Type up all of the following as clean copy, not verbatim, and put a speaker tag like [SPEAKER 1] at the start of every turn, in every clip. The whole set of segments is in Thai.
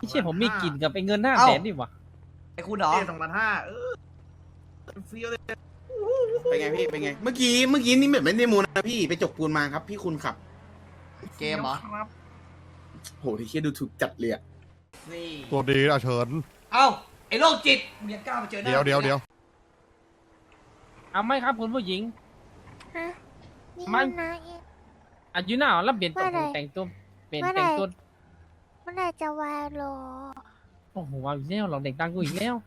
[SPEAKER 1] ไม่ใช่ผมมีกลิ่นกับไอ้เงิน500,000ดิวะ
[SPEAKER 2] ไอ้คุณเหรอ
[SPEAKER 3] 2,500เฟี้ยวเลย
[SPEAKER 4] เป็นไงพี่เป็นไง เมื่อกี้นี่แบบไม่ได้มูนะพี่ไปจกปูนมาครับ พี่คุณขับ
[SPEAKER 2] เกมเหรอ
[SPEAKER 3] ครับ
[SPEAKER 4] โหที่เคียดูถูกจัดเลยอะ
[SPEAKER 2] นี่
[SPEAKER 5] ตัวดีอะเฉิน
[SPEAKER 2] เอ้าไอ้โรคจิตมึงยังกล้ามาเจอหน้า
[SPEAKER 5] เดี๋ยว
[SPEAKER 1] เอาไหมครับคุณผู้หญิง
[SPEAKER 6] ฮะนี่
[SPEAKER 1] ไม่
[SPEAKER 6] มันนะเอ๊ะ
[SPEAKER 1] อายุหน้าแล้วเปลี่ยนตัว
[SPEAKER 6] ว่าไง
[SPEAKER 1] แต่งตัวเปลี่ยน
[SPEAKER 6] ว่าไง
[SPEAKER 1] แต่งตัว
[SPEAKER 6] เมื่อไหร่จะวายโล
[SPEAKER 1] โอ้โหเอาอีกแล้วหลอกเด็กดังกูอีกแล้ว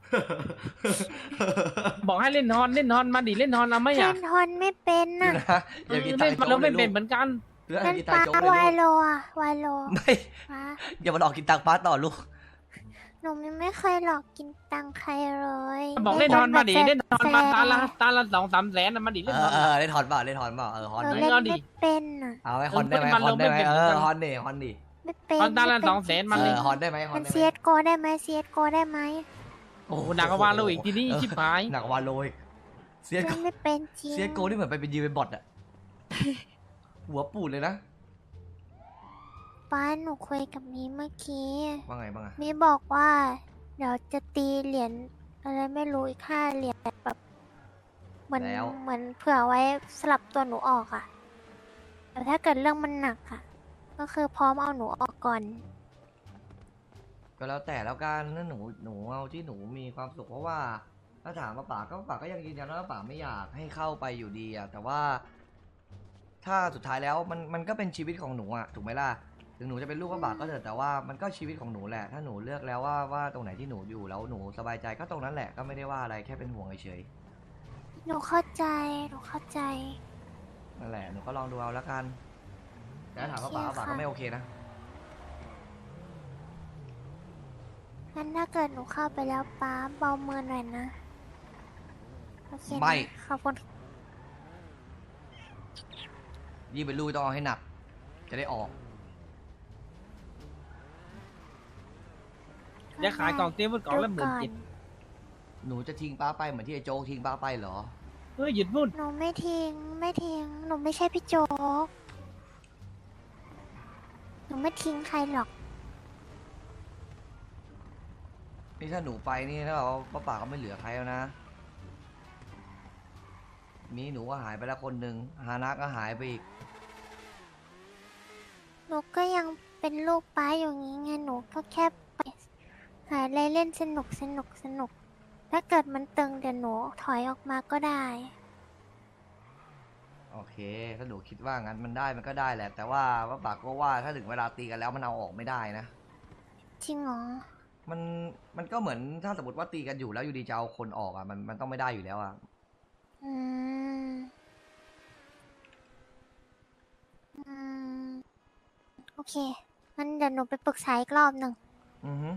[SPEAKER 1] บอกให้เล่นนอนมาดิเล่นนอนเอาไหม
[SPEAKER 6] เล่
[SPEAKER 1] อ่ะ
[SPEAKER 6] นทอนไม่เป็น
[SPEAKER 2] เดี๋ยว
[SPEAKER 6] น่ะ
[SPEAKER 2] นะอย่ากินตั
[SPEAKER 1] เล่
[SPEAKER 2] ง
[SPEAKER 1] น
[SPEAKER 2] ค์
[SPEAKER 1] มา
[SPEAKER 2] โจ๊
[SPEAKER 1] แล้
[SPEAKER 2] ก
[SPEAKER 1] ว
[SPEAKER 2] เล
[SPEAKER 1] ไม่
[SPEAKER 2] ย
[SPEAKER 1] เป็น
[SPEAKER 2] ลู
[SPEAKER 1] เหมือนกัน
[SPEAKER 2] กอย่า
[SPEAKER 6] เล่น
[SPEAKER 2] กิน
[SPEAKER 6] ป
[SPEAKER 2] ตัง
[SPEAKER 6] ลา
[SPEAKER 2] ค์โจ๊กเล
[SPEAKER 6] วาย
[SPEAKER 2] ย
[SPEAKER 6] โล
[SPEAKER 2] ลูก
[SPEAKER 6] อะวายโล
[SPEAKER 2] ไม่
[SPEAKER 6] ปลา
[SPEAKER 2] อย่ามาหลอกกินตังค์ป้าต่อลูก
[SPEAKER 6] หนูไม่เคยหลอกกินตังค์ใครเลย
[SPEAKER 1] บอกเล่นนอนมาดิ
[SPEAKER 6] แบบ
[SPEAKER 1] เล่นนอนมา
[SPEAKER 6] แฟ
[SPEAKER 1] ตาละ2-3 แสนนะมาดิเล่นนอน
[SPEAKER 2] เล่นถอนเปล่าเล่นถอนเปล่าฮอน
[SPEAKER 6] หนู
[SPEAKER 2] ไหม
[SPEAKER 6] เล่น
[SPEAKER 1] เอาดิ
[SPEAKER 6] ไม่เป็นน่ะ
[SPEAKER 2] เอาไหมฮอนได้ไหม
[SPEAKER 1] มัน
[SPEAKER 2] ฮอนได้ไหม
[SPEAKER 1] ลงไม่เป็น
[SPEAKER 2] ฮอนดิฮอนดิ
[SPEAKER 6] ไม่เป็น
[SPEAKER 1] ตอนตาละ
[SPEAKER 6] ไม่เป็น
[SPEAKER 1] 200,000มันเลย
[SPEAKER 2] ฮอนได้ไหมฮอ
[SPEAKER 6] มัน น
[SPEAKER 2] ได้ไหม
[SPEAKER 6] เซียโกได้ไหมเซียโกได้ไหม
[SPEAKER 1] โอ้โหหนักกว่าวาโลอีกทีนี้ชิบหาย
[SPEAKER 2] หนักกว่าโลยเซีย
[SPEAKER 6] เล่
[SPEAKER 2] โก
[SPEAKER 6] นไม่เป็นจริง
[SPEAKER 2] เซียโกนี่เหมือนไปเป็นยืนเป็นบอทอะหัวปูดเลยนะ
[SPEAKER 6] ป้าหนูคุยกับมีเมื่อกี้
[SPEAKER 2] ว่าไงบ้างอะ
[SPEAKER 6] มีบอกว่า เดี๋ยวจะตีเหรียญอะไรไม่รู้อีก5 เหรียญแบบเหมือนเผื่อไว้สลับตัวหนูออกอะแต่ถ้าเกิดเรื่องมันหนักอะก็คือพร้อมเอาหนูออกก่อน
[SPEAKER 2] ก็แล้วแต่แล้วกันนั่นหนูเอาที่หนูมีความสุขเพราะว่า ถ้าถามว่าป่าก็ยังยืนยันว่าป่าไม่อยากให้เข้าไปอยู่ดีอะแต่ว่า ถ้าสุดท้ายแล้วมันก็เป็นชีวิตของหนูอะถูกไหมล่ะถึงหนูจะเป็นลูกก็ป่าก็เถอะแต่ว่ามันก็ชีวิตของหนูแหละถ้าหนูเลือกแล้วว่าตรงไหนที่หนูอยู่แล้วหนูสบายใจก็ตรงนั้นแหละก็ไม่ได้ว่าอะไรแค่เป็นห่วงเฉย
[SPEAKER 6] หนูเข้าใจ หนูเข้าใจ
[SPEAKER 2] ๆนั่นแหละหนูก็ลองดูเอาแล้วกันแต่ถ้าถามว่าป่า
[SPEAKER 6] โอเค
[SPEAKER 2] ป่า
[SPEAKER 6] ค่ะ
[SPEAKER 2] ก็ไม่โอเคนะ
[SPEAKER 6] งั้นถ้าเกิดหนูเข้าไปแล้วป้าเบามือหน่อยนะ โอเคนะ
[SPEAKER 2] ไม่
[SPEAKER 6] ขอบคุณ
[SPEAKER 2] ยิ่งเป็นลูกต้องเอาให้หนัก จะได้ออก
[SPEAKER 1] เดี๋ยวขายกล่องเตี้ยบนกล่องละ17,000
[SPEAKER 2] หนูจะทิ้งป้าไปเหมือนที่ไอ้โจ๊กทิ้งป้าไปเหรอ
[SPEAKER 1] เฮ้ยหยุดพูด
[SPEAKER 6] หนูไม่ทิ้ง ไม่ทิ้ง หนูไม่ใช่พี่โจ๊ก หนูไม่ทิ้งใครหรอก
[SPEAKER 2] นี่ถ้าหนูไปนี่ถ้าเราป้าป่าก็ไม่เหลือใครแล้วนะ มีหนูก็หายไปแล้วคนหนึ่งฮานะก็หายไปอีก
[SPEAKER 6] หนูก็ยังเป็นลูกป้าอยู่งี้ไง หนูก็แค่ไปหาอะไรเล่นสนุก ถ้าเกิดมันตึงเดี๋ยวหนูถอยออกมาก็ได้
[SPEAKER 2] โอเค ถ้าหนูคิดว่างั้นมันได้มันก็ได้แหละ แต่ว่าป้าป่าก็ว่าถ้าถึงเวลาตีกันแล้วมันเอาออกไม่ได้นะ
[SPEAKER 6] จริงเหรอ
[SPEAKER 2] มันก็เหมือนถ้าสมมติว่าตีกันอยู่แล้วอยู่ดีจะเอาคนออกอ่ะมันต้องไม่ได้อยู่แล้วอ่ะ
[SPEAKER 6] อืม อืม โอเค งั้นเดี๋ยวหนูไปปรึกษาอีกรอบหนึ่ง
[SPEAKER 2] อือฮึ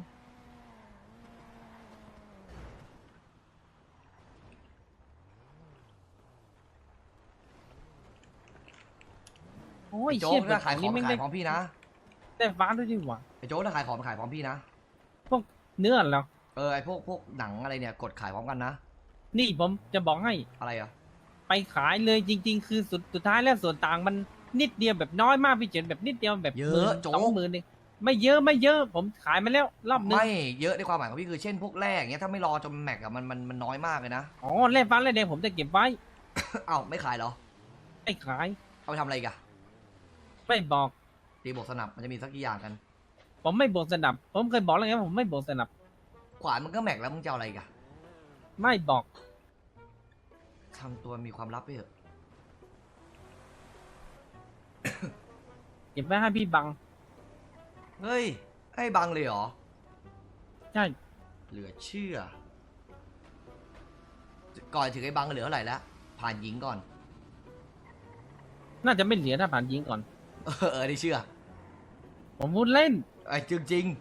[SPEAKER 1] โอ้ย
[SPEAKER 2] ไอ้โจ๊
[SPEAKER 1] เชี่ย
[SPEAKER 2] ก
[SPEAKER 1] แบ
[SPEAKER 2] ถ้า
[SPEAKER 1] บ
[SPEAKER 2] ขายของ
[SPEAKER 1] นี้ไม่
[SPEAKER 2] ขา
[SPEAKER 1] ได้
[SPEAKER 2] ยพร้อมพี่นะ
[SPEAKER 1] ได้ฟ้าด้วยดิวะ
[SPEAKER 2] ไอ้โจ๊กถ้าขายของขายพร้อมพี่นะ
[SPEAKER 1] พวกเนื้อเหรอ
[SPEAKER 2] ไอ้พวกหนังอะไรเนี่ยกดขายพร้อมกันนะ
[SPEAKER 1] นี่ผมจะบอกให้
[SPEAKER 2] อะไรอ่ะ
[SPEAKER 1] ไปขายเลยจริง ๆ คือสุดท้ายแล้วส่วนต่างมันนิดเดียวแบบน้อยมากพี่เฉินแบบนิดเดียวแบบ
[SPEAKER 2] เยอะโจ๊ก
[SPEAKER 1] 20,000เองไม่เยอะผมขายมาแล้วรอบนึง
[SPEAKER 2] ไม่เยอะในความหมายของพี่คือเช่นพวกแรกอย่างเงี้ยถ้าไม่รอจนแม็กอะมันน้อยมากเลยนะ
[SPEAKER 1] อ๋อแร่ฟ้าแร่แดงผมจะเก็บไว้
[SPEAKER 2] เอ้าไม่ขายเหรอ
[SPEAKER 1] ไม่ขาย
[SPEAKER 2] เอาไปทำอะไรอีกัน
[SPEAKER 1] ไม่บอก
[SPEAKER 2] ตีบวกสนับมันจะมีสักกี่อย่างกัน
[SPEAKER 1] ผมไม่บวกสนับ ผมเคยบอกแล้วไงว่าผมไม่บวกสนับ
[SPEAKER 2] ขวานมันก็แม็กแล้วมึงจะเอาอะไรอีกัน
[SPEAKER 1] ไม่บอก
[SPEAKER 2] ทำตัวมีความลับไปเถอะ
[SPEAKER 1] เก็บไว้ให้พี่บัง
[SPEAKER 2] เฮ้ยให้บังเลยเหรอ
[SPEAKER 1] ใช่
[SPEAKER 2] เหลือเชื่อ ก่อนถึงไอ้บังเหลือเท่าไหร่แล้วผ่านหญิงก่อน
[SPEAKER 1] น่าจะไม่เหลือถ้าผ่านยิงก่อน
[SPEAKER 2] ได้เชื่อ
[SPEAKER 1] ผมพูดเล่น
[SPEAKER 2] ไอ้จริง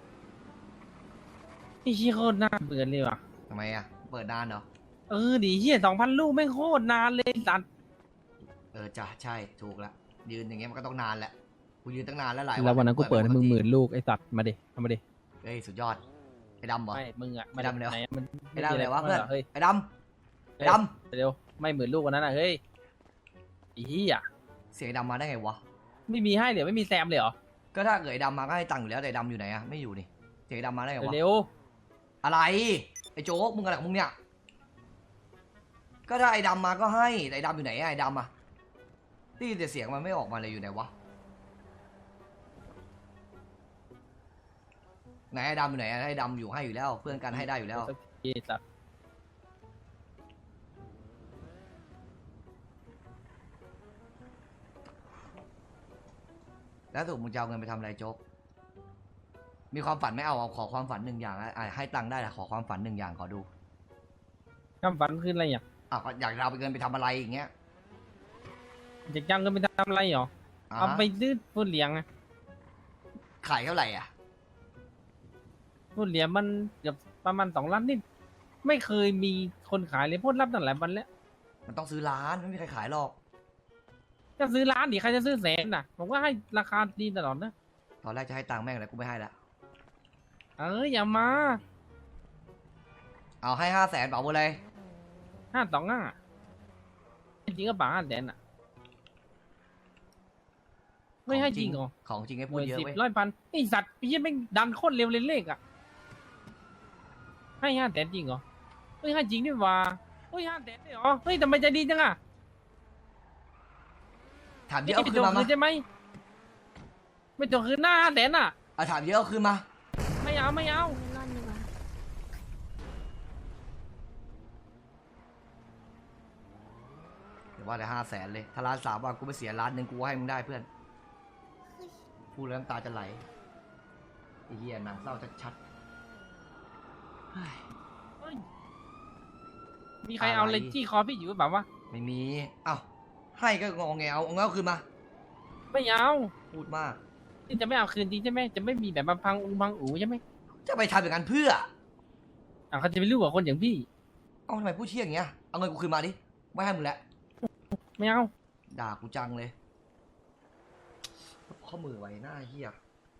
[SPEAKER 1] พี่ชี้โคตรน่าเบื่อเลยว่ะ
[SPEAKER 2] ๆทำไมอ่ะเปิดนานเหรอ
[SPEAKER 1] ดิเฮีย2,000 ลูกไม่งโคตรนานเลยสัตว์
[SPEAKER 2] จ้ะใช่ถูกละยืนอย่างเงี้ยมันก็ต้องนานแหละกูยืนตั้งนานแล้วหลาย
[SPEAKER 7] แล้ววันนั้นกูเปิดให้มึง
[SPEAKER 2] ปกติ
[SPEAKER 7] 10,000 ลูกไอ้สัตว์มาดิเอามาดิ
[SPEAKER 2] เฮ้ยสุดยอดไอ้ดำเหรอ
[SPEAKER 1] ไม่มึงอะ
[SPEAKER 2] ไอ้ดำเลยวะ
[SPEAKER 1] ไหนมัน
[SPEAKER 2] ไอ้ดำเลยวะเพื่อน
[SPEAKER 1] เฮ้ย
[SPEAKER 2] ไอ้ดำไอ้ด
[SPEAKER 1] เร็วไม่10,000 ลูกวันนั้นอะเฮ้ยไอ้เหี้ย
[SPEAKER 2] ำเสียงไอ้ดำมาได้ไงวะ
[SPEAKER 1] ไม่มีให้เดี๋ยวไม่มีแซมเลยเหรอ
[SPEAKER 2] ก็ถ้าเกิดไอ้ดำมาก็ให้ตังค์อยู่แล้วแต่ไอ้ดำอยู่ไหนอะไม่อยู่นี่เจ๊ดำมาได้ไงวะ
[SPEAKER 1] เร็ว
[SPEAKER 2] อะไรไอ้โจ๊กมึงอะไรของมึงเนี่ยก็ถ้าไอ้ดำมาก็ให้แต่ไอ้ดำอยู่ไหนอะไอ้ดำอะได้ยินแต่เสียงมันไม่ออกมาเลยอยู่ไหนวะไหนไอ้ดำอยู่ไหนอะไอ้ดำอยู่ให้อยู่แล้ว เพื่อนกันให้ได้อยู่
[SPEAKER 1] ๆ
[SPEAKER 2] แล้ว
[SPEAKER 1] สักทีสัตว์
[SPEAKER 2] แล้วถูกมึงจะเอาเงินไปทำอะไรโจ๊กมีความฝันไหม่เอาขอความฝันหนึ่งอย่างให้ตังค์ได้แต่ขอความฝันหนึ่งอย่างขอดู
[SPEAKER 1] คำฝันคืออะไรอ่ะ
[SPEAKER 2] ก็อยากจะเอาเงินไปทำอะไรอย่างเงี้ย
[SPEAKER 1] อยากจ้างเงินไปทำอะไรหรอ
[SPEAKER 2] อ่า
[SPEAKER 1] เอาไปซื้อพูดเลี้ยงอะ
[SPEAKER 2] ขายเท่าไหร่อ่ะ
[SPEAKER 1] พูดเลี้ยงมันเกือบประมาณ2 ล้านนิดไม่เคยมีคนขายเลยพูดรับตั้งหลายวันแล้ว
[SPEAKER 2] มันต้องซื้อร้านไม่มีใครขายหรอก
[SPEAKER 1] จะซื้อล้านดิใครจะซื้อแสนน่ะผมก็ให้ราคาดีตลอดนะ
[SPEAKER 2] ตอนแรกจะให้ตังค์แม่งเลยกูไม่ให้ละ
[SPEAKER 1] อย่ามา
[SPEAKER 2] เอาให้500,000เปล่าเลย
[SPEAKER 1] 525จริงก็ป่า500,000อ่ะไม่ให้จริงเหรอ
[SPEAKER 2] ของจริงให้
[SPEAKER 1] ห
[SPEAKER 2] พูด
[SPEAKER 1] มื่น
[SPEAKER 2] เยอะ
[SPEAKER 1] 10
[SPEAKER 2] เว้ย
[SPEAKER 1] 100 1,000ไอสัตว์พี่ยังไม่งดันโคตรเร็วเลยเลขอ่ะให้500,000จริงเหรอเฮ้ยให้จริงดิว่าเฮ้ย500,000ได้เหรอเฮ้ยทำไมใจดีจังอ่ะ
[SPEAKER 2] ถามเยอะเอา
[SPEAKER 1] ไม่
[SPEAKER 2] คืน
[SPEAKER 1] จ
[SPEAKER 2] มา
[SPEAKER 1] บคืนใช่ไหมไม่จบคืนหน้า500,000อ่ะ
[SPEAKER 2] ถามเยอะเอาคืนมา
[SPEAKER 1] ไม่เอาไม่เอา
[SPEAKER 6] ร่อนดีกว่า
[SPEAKER 2] เดี๋ยวว่าแต่500,000เลยถ้า1,300,000ว่ากูไปเสีย1,000,000กูให้มึงได้เพื่อนพูดแล้วน้ำตาจะไหลไอ้เหี้ยหนังเศร้าชัดๆเฮ้ย
[SPEAKER 1] เฮ้ยมีใครเอา
[SPEAKER 2] อะไร
[SPEAKER 1] เลยจี้คอพี่อยู่หรือเปล่าวะ
[SPEAKER 2] ไม่มีเอ้าให้ก็งอแงเอาเงาคืนมา
[SPEAKER 1] ไม่เอา
[SPEAKER 2] พูดมาก
[SPEAKER 1] นี่จะไม่เอาคืนจริงใช่ไหมจะไม่มีแบบมาพังอูใช่ไหม
[SPEAKER 2] จะไปทำอย่างนั้นเพื่อ
[SPEAKER 1] เขาจะไปรู้กับคนอย่างพี่
[SPEAKER 2] เอาทำไมพูดเชี่ยอย่างเงี้ยเอาเงินกูคืนมาดิไม่ให้มึงแล้ว
[SPEAKER 1] ไม่เอา
[SPEAKER 2] ด่ากูจังเลยข้อมือไว้หน้าเหี้ย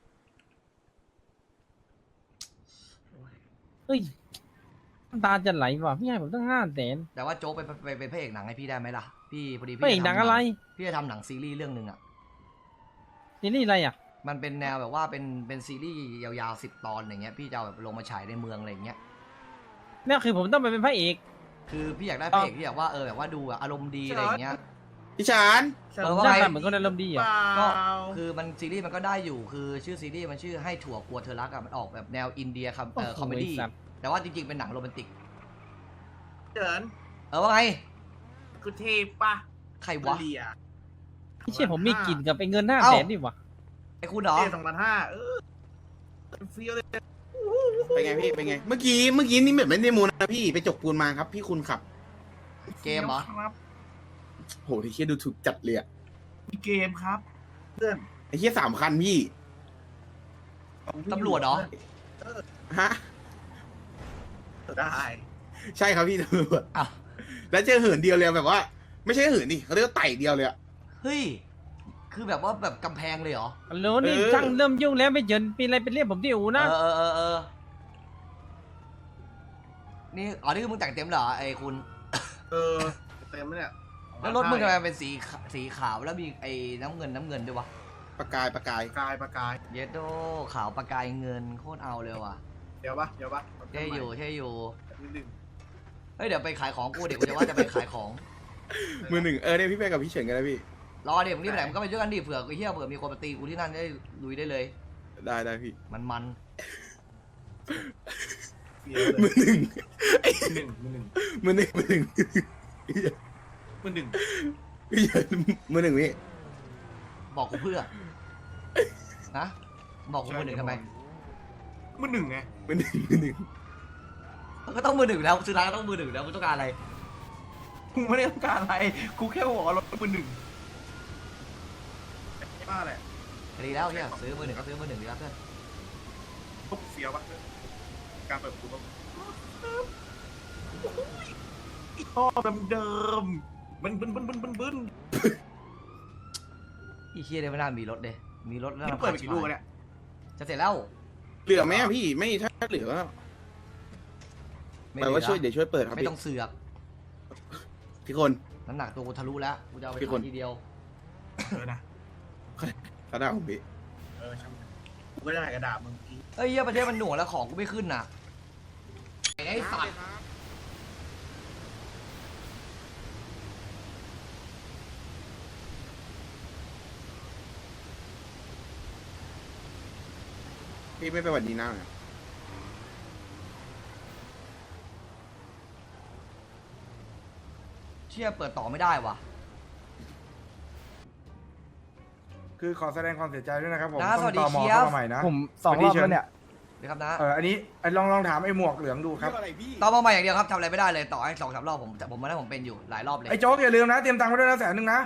[SPEAKER 1] เฮ้ยน้ำตาจะไหลว่ะพี่ให้ผมตั้ง500,000
[SPEAKER 2] แต่ว่าโจ๊กเป็นพระเอกหนังให้พี่ได้ไหมล่ะพี่พอดี
[SPEAKER 1] ไม่เอกดังอะไร
[SPEAKER 2] พี่จะทำหนังซีรีส์เรื่องหนึ่งอ่ะ
[SPEAKER 1] ซีรีส์อะไรอ่ะ
[SPEAKER 2] มันเป็นแนวแบบว่าเป็นซีรีส์ยาวๆ10 ตอนอย่างเงี้ยพี่จะเอาแบบลงมาฉายในเมืองอะไรอย่างเงี้ย
[SPEAKER 1] นี่คือผมต้องไปเป็นพระเอก
[SPEAKER 2] คือพี่อยากได้พระเอกที่แบบว่าแบบว่าดูอารมณ์ดีอะไรอย่างเงี้ย
[SPEAKER 4] พี่ชาน
[SPEAKER 2] ว่า
[SPEAKER 1] หน้า
[SPEAKER 2] ไง
[SPEAKER 1] ตาเหมือนคนอารมณ์ดีเหรอ
[SPEAKER 2] ก็คือมันซีรีส์มันก็ได้อยู่คือชื่อซีรีส์มันชื่อให้ถั่วกลัวเธอรักอะมันออกแบบแนวอินเดียครับคอมเมดี้
[SPEAKER 1] โอ้โหไอ้สัตว์
[SPEAKER 2] แต่ว่าจริงๆเป็นหนังโรแมนติก
[SPEAKER 3] เจิน
[SPEAKER 2] ว่าไง
[SPEAKER 3] กูเทปปะ
[SPEAKER 2] ใครวะ
[SPEAKER 3] เลีย
[SPEAKER 1] พี่เชื่อผมมีกลิ่นกับไอ้เงิน
[SPEAKER 2] เอ้า
[SPEAKER 1] 500,000นี่วะ
[SPEAKER 2] ไอ้คุณเหรอ
[SPEAKER 3] เท2,500เฟี้ยวเลย
[SPEAKER 4] เป็นไงพี่เป็นไง เมื่อกี้นี่แบบไม่ได้มูนะพี่ไปจกปูนมาครับ พี่คุณขับ
[SPEAKER 2] เกมเหรอ
[SPEAKER 3] ครับ
[SPEAKER 4] โหที่เคียดูถูกจัดเลยอะ
[SPEAKER 3] มีเกมครับ เพื่อน
[SPEAKER 4] ไอ้เคีย3 คันพี่
[SPEAKER 2] ตำรวจเหรอ
[SPEAKER 4] ฮะ
[SPEAKER 3] ได้
[SPEAKER 4] ใช่ครับพี่ตำรวจ
[SPEAKER 2] อ้าว
[SPEAKER 4] แล้วเจอเหินเดียวเลยแบบว่า ไม่ใช่เหินดิเขาเรียกว่าไต่เดียวเลยอะ
[SPEAKER 2] เฮ้ยคือแบบว่าแบบกำแพงเลยเหรอ
[SPEAKER 1] ฮัลโหลนี่
[SPEAKER 4] เออ
[SPEAKER 1] ช่างเริ่มยุ่งแล้วไม่เยินปีอะไรเป็นเรียกผมที่อูนะ
[SPEAKER 2] นี่นี่คือมึงแต่งเต็มเหรอไอ้คุณ
[SPEAKER 3] เออเต็มเนี่ย
[SPEAKER 2] แล้วรถมึงทำไมเป็นสีขาวแล้วมีไอ้น้ำเงินด้วยวะ
[SPEAKER 4] ประกาย
[SPEAKER 3] ประกาย
[SPEAKER 2] เยดโดขาวประกายเงินโคตรเอาเลยว่ะ
[SPEAKER 3] เดี๋ยวปะ
[SPEAKER 2] เท่อยู่
[SPEAKER 3] นิดนึง
[SPEAKER 2] เฮ้ยเดี๋ยวไปขายของกูเดี๋ยวกูจะว่าจะไปขายของ
[SPEAKER 4] มือหนึ่งเนี่ยพี่ไปกับพี่เฉินกันนะพี่
[SPEAKER 2] รอเดี๋ยวมึงรีบไปไหนมึงก็ไปด้วยกันดิเผื่อไอ้เหี้ยเผื่อมีคนมาตีกูที่นั่นได้ลุยได้เลย
[SPEAKER 4] ได้พี่
[SPEAKER 2] มัน
[SPEAKER 3] เฟี้ยวเล
[SPEAKER 4] มื
[SPEAKER 3] ย
[SPEAKER 4] อหนึ่ง
[SPEAKER 3] มือหนึ่ง
[SPEAKER 4] มือหนึ่ง
[SPEAKER 3] มือหนึ่ง
[SPEAKER 4] พี่เฉินมือหนึ่งพี่
[SPEAKER 2] บอกกูเพื่อนะบอกกูมือหนึ่งทำไม
[SPEAKER 3] มือหนึ่งไง
[SPEAKER 4] มือหนึ่ง
[SPEAKER 2] มันก็ต้องมือหนึ่งแล้วซื้อร้านก็ต้องมือหนึ่งแล้วกูต้องการอะไร
[SPEAKER 3] กูไม่ได้ต้องการอะไรกูแค่บอกว่ารถมือหนึ่งบ้าแหละ
[SPEAKER 2] ดีแล้วเนี่ยซื้อมือหนึ่งก็ซื้อมือหนึ่งดีแล้วเพื่อน
[SPEAKER 3] ปุ๊บเฟี้ยวปะการเปิดประตูท่อเดิมบึ้น
[SPEAKER 2] อีเคียเนี่ยไม่น่ามีรถเลยมีรถแล้ว
[SPEAKER 3] นี่เปิดไปกี่ลูกเนี่ย
[SPEAKER 2] จะเสร็จแล้ว
[SPEAKER 4] เหลือไหมอะพี่ไม่ถ้าเหลือก็แปลว่าช่วยเดี๋ยวช่วยเปิดครับ
[SPEAKER 2] ไม่
[SPEAKER 4] พี่
[SPEAKER 2] ต้องเสือก
[SPEAKER 4] พี่คน
[SPEAKER 2] น้ำหนักตัวกูทะลุแล้วกูจะเอาไป
[SPEAKER 4] พี่คน
[SPEAKER 2] ขายทีเดียว
[SPEAKER 3] เออนะ
[SPEAKER 4] กระดาษผมพี่
[SPEAKER 3] เออช่าง
[SPEAKER 4] กูก็ได้กระดาษมึงอีก
[SPEAKER 2] เฮ้ยเหี้ยประเทศมันหน่วงแล้วของกูไม่ขึ้นน่ะไอ้สัตว์
[SPEAKER 4] พี่ไม่ไปหวัดดีน้าเหรอ
[SPEAKER 2] เชี่ยเปิดต่อไม่ได้ว่ะ
[SPEAKER 5] คือขอแสดงความเสียใจด้วยนะครับผม
[SPEAKER 2] นะสวัสดี
[SPEAKER 5] ต้องตม
[SPEAKER 2] เชียร์
[SPEAKER 5] เข้ามาใหม่นะ
[SPEAKER 7] ผม2 รอบแล้วเนี่ย
[SPEAKER 2] นี่ครับนะ
[SPEAKER 5] อันนี้ลองถามไอ้หมวกเหลืองดูครับ
[SPEAKER 4] อะไรพี่
[SPEAKER 2] ต่อมาใหม่อย่างเดียวครับทำอะไรไม่ได้เลยต่อให้2-3 รอบผมมาได้ผมเป็นอยู่หลายรอบเลย
[SPEAKER 5] ไอ้โจ๊กอย่าลืมนะเตรียมตังค์ไว้ด้วยนะ100,000นะ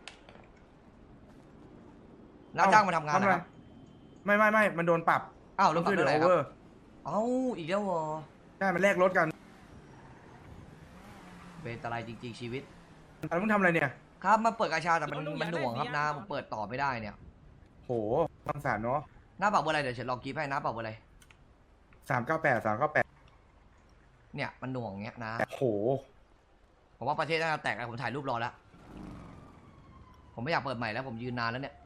[SPEAKER 2] น้าจ้างมาทำงานนะครับ
[SPEAKER 5] ไม่มันโดนปรับ
[SPEAKER 2] อ้าวลง
[SPEAKER 5] ช่วยเหลื
[SPEAKER 2] เล
[SPEAKER 5] อย โอ
[SPEAKER 2] ครั
[SPEAKER 5] เว
[SPEAKER 2] บ
[SPEAKER 5] อร์
[SPEAKER 2] เอ้าอีกแล้วเหรอ
[SPEAKER 5] ใช่มันแลกรถกัน
[SPEAKER 2] เป็นอะไรจริงๆชีวิต
[SPEAKER 5] อันมึงทำอะไรเนี่ย
[SPEAKER 2] ครับมาเปิดกาชาแต่มันหน่วงครับนะผมเปิดต่อไม่ได้เนี่ย
[SPEAKER 5] โหสงสารเนาะ
[SPEAKER 2] หน้าเป่าเบอร์อะไรเดี๋ยวฉันลองกีบให้หน้าเป่าเบอร์อะไร
[SPEAKER 5] 398
[SPEAKER 2] เนี่ยมันหน่วงเงี้ยนะ
[SPEAKER 5] โห
[SPEAKER 2] ผมว่าประเทศน่าจะแตกแล้วผมถ่ายรูปรอแล้วผมไม่อยากเปิดใหม่แล้วผมยืนนานแล้วเนี่ย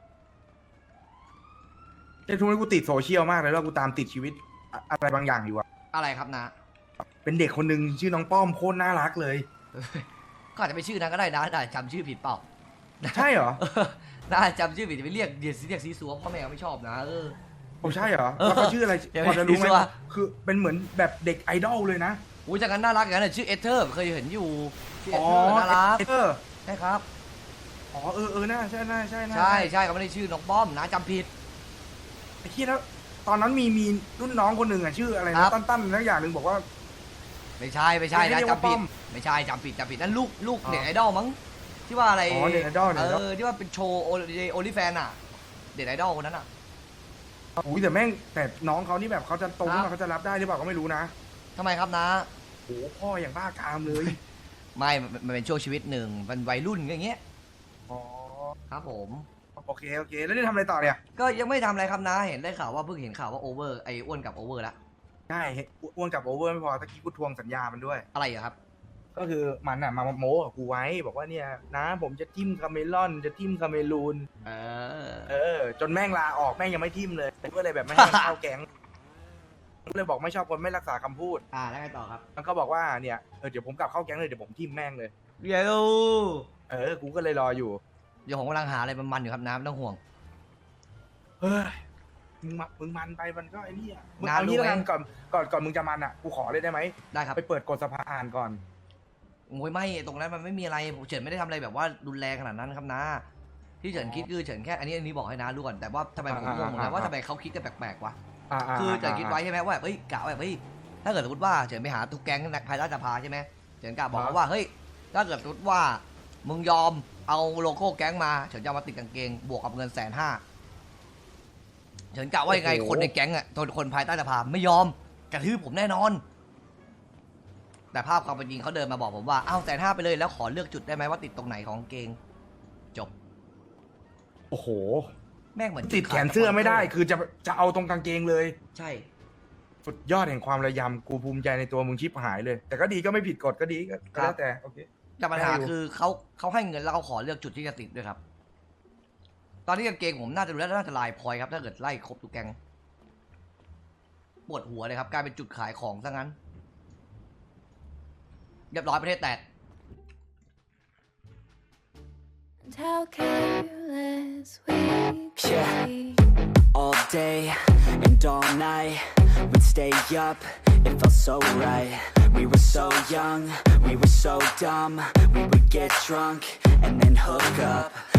[SPEAKER 5] ไอ้ทุกนี้กูติดโซเชียลมากเลยแล้วกูตามติดชีวิตอะไรบางอย่างอยู่อะ
[SPEAKER 2] อะไรครับนะ
[SPEAKER 5] เป็นเด็กคนหนึ่งชื่อน้องป้อมโคตรน่ารักเลย
[SPEAKER 2] ก็อาจจะไปชื่อนั้นก็ได้นะแต่จำชื่อผิดเปล่า
[SPEAKER 5] ใช่เหรอ
[SPEAKER 2] น่าจำชื่อผิดจะไปเรียกซีซัวพ่อแม่ไม่ชอบนะ
[SPEAKER 5] ผมใช่เหรอแล้วเขาชื่ออะไร
[SPEAKER 2] ยังไง
[SPEAKER 5] พอจะรู้ไหม
[SPEAKER 2] ดีสิวะ
[SPEAKER 5] คือเป็นเหมือนแบบเด็กไอดอลเลยนะ
[SPEAKER 2] อุ้ยจากนั้นน่ารักอย่างนั้นนะชื่อเอเธอร์เคยเห็นอยู่ชื่อเอ
[SPEAKER 5] อ๋อ
[SPEAKER 2] เธอร์น่ารัก
[SPEAKER 5] เออ
[SPEAKER 2] ใช่ครับ
[SPEAKER 5] อ๋อน่าใช่
[SPEAKER 2] ใช่เขาไม่ได้ชื่อน้องป้อมนะจำผิด
[SPEAKER 5] ไอ้ที่แล้วตอนนั้นมีรุ่นน้องคนหนึ่งอ่ะชื่ออะไร
[SPEAKER 2] ครั
[SPEAKER 5] นะ
[SPEAKER 2] บ
[SPEAKER 5] ตั้นนักอย่างหนึ่งบอกว่า
[SPEAKER 2] ไม่ใช่
[SPEAKER 5] ไม่
[SPEAKER 2] นะ
[SPEAKER 5] ใช่เรียกว่า
[SPEAKER 2] จำผิ
[SPEAKER 5] ป้
[SPEAKER 2] ด
[SPEAKER 5] อม
[SPEAKER 2] ไม่ใช่จำผิดนั่นลูก
[SPEAKER 5] อ๋อ
[SPEAKER 2] เน็ตไอดอลมั้งที่ว่าอะไร
[SPEAKER 5] อ๋อเน็ตไอดอล
[SPEAKER 2] ที่ว่าเป็นโชว์โอลิแฟนอะเน็ตไอดอลคนนั้นอะ
[SPEAKER 5] อุ้ยแต่น้องเขานี่แบบเขาจะโตขึ้น
[SPEAKER 2] ครั
[SPEAKER 5] มา
[SPEAKER 2] บ
[SPEAKER 5] เขาจะรับได้หรือเปล่าก็ไม่รู้นะ
[SPEAKER 2] ทำไมครับนะ
[SPEAKER 5] โอ้พ่ออย่างบ้ากามเลย
[SPEAKER 2] ไม่มันเป็นช่วงชีวิตหนึ่งมันวัยรุ่นอย่างเงี้ย
[SPEAKER 5] อ๋อ
[SPEAKER 2] ครับผม
[SPEAKER 5] โอเคแล้วนี่ทำอะไรต่อเนี่ย
[SPEAKER 2] ก็ยังไม่ทำอะไรครับนะเห็นได้ข่าวว่าเพิ่งเห็นข่าวว่าโอเวอร์ไอ้อ้วนกับโอเวอร์ละ
[SPEAKER 5] ใช่อ้วนกับโอเวอร์ไม่พอตะกี้กูทวงสัญญามันด้วย
[SPEAKER 2] อะไรอะครับ
[SPEAKER 5] ก็คือมันอ่ะมาโม้กับกูไว้บอกว่าเนี่ยนะผมจะทิมคาเมลอนจะทิมคาเมรูน จนแม่งลาออกแม่งยังไม่ทิมเลยก็เลยแบบไม่ให้มันเข้าแก๊งก็เลยบอกไม่ชอบคนไม่รักษาคำพูด
[SPEAKER 2] แล้วไงต่อครับ
[SPEAKER 5] มันก็บอกว่าเนี่ยเดี๋ยวผมกลับเข้าแก๊งเลยเดี๋ยวผมทิมแม่งเลย
[SPEAKER 2] เดี๋ยว
[SPEAKER 5] กูก็เลยรออยู่
[SPEAKER 2] เดี๋ยวผมกำลังหาอะไรมันๆอยู่ครับน้ำไม่ต้องห่วง
[SPEAKER 5] เฮ้ยมึงมันไปมันก็ไอ้นี่อ่ะมึง
[SPEAKER 2] งาน
[SPEAKER 5] เอางี้
[SPEAKER 2] รู้
[SPEAKER 5] แล้ว
[SPEAKER 2] ไหม
[SPEAKER 5] กันก่อนมึงจะมันอ่ะกูขอเลยได้ไหม
[SPEAKER 2] ได้ครับ
[SPEAKER 5] ไปเปิดกฎสภาอ่านก่อน
[SPEAKER 2] โอ้ยไม่ตรงนั้นมันไม่มีอะไรเฉินไม่ได้ทำอะไรแบบว่ารุนแรงขนาดนั้นครับนะที่เฉินคิดคือเฉินแค่อันนี้บอกให้นะรู้ก่อนแต่ว่าทำไมผมงงเหมือนกันว่าทำไมเขาคิดกันแปลกๆวะคือเฉินคิดไว้ใช่ไหมว่าแบบเฮ้ยกะว่าแบบเฮ้ยถ้าเกิดสมมติว่าเฉินไปหาทุกแก๊งภายใต้สภาใช่ไหมเฉินกะบอกเขาว่าเฮ้ยถ้าเกิดสมมติว่ามึงยอมเอาโลโก้แก๊งมาเฉินจะเอามาติดกางเกงบวกกับเงิน150,000เฉินกะว่ายังไงคนในแก๊งอ่ะคนภายใต้สภาไม่ยอมกระทืบผมแน่นอนแต่ภาพความเป็นจริงเขาเดินมาบอกผมว่าเอา150,000ไปเลยแล้วขอเลือกจุดได้ไหมว่าติดตรงไหนของกางเกงจบ
[SPEAKER 5] โอ้โห
[SPEAKER 2] แม่งเหมือน
[SPEAKER 5] ติดแขนเสื้อไม่ได้คือจะเอาตรงกางเกงเลย
[SPEAKER 2] ใช่
[SPEAKER 5] สุดยอดแห่งความระยำกูภูมิใจในตัวมึงชิบหายเลย แต่ก็ดีก็ไม่ผิดกฎก็ดีก็แล้วแต่โอเค
[SPEAKER 2] แต่ปัญหาคือเขาให้เงินแล้วเขาขอเลือกจุดที่จะติดด้วยครับ ตอนนี้กางเกงผมน่าจะดูแล้วน่าจะลายพลอยครับถ้าเกิดไล่ครบทุกแกงปวดหัวเลยครับกลายเป็นจุดขายของซะงั้นเรียบร้อยประเทศแตก
[SPEAKER 8] How careless we
[SPEAKER 9] Yeah.
[SPEAKER 8] be.
[SPEAKER 9] All day and all night, we'd stay up, it felt so right. We were so young, we were so dumb. We would get drunk and then hook up.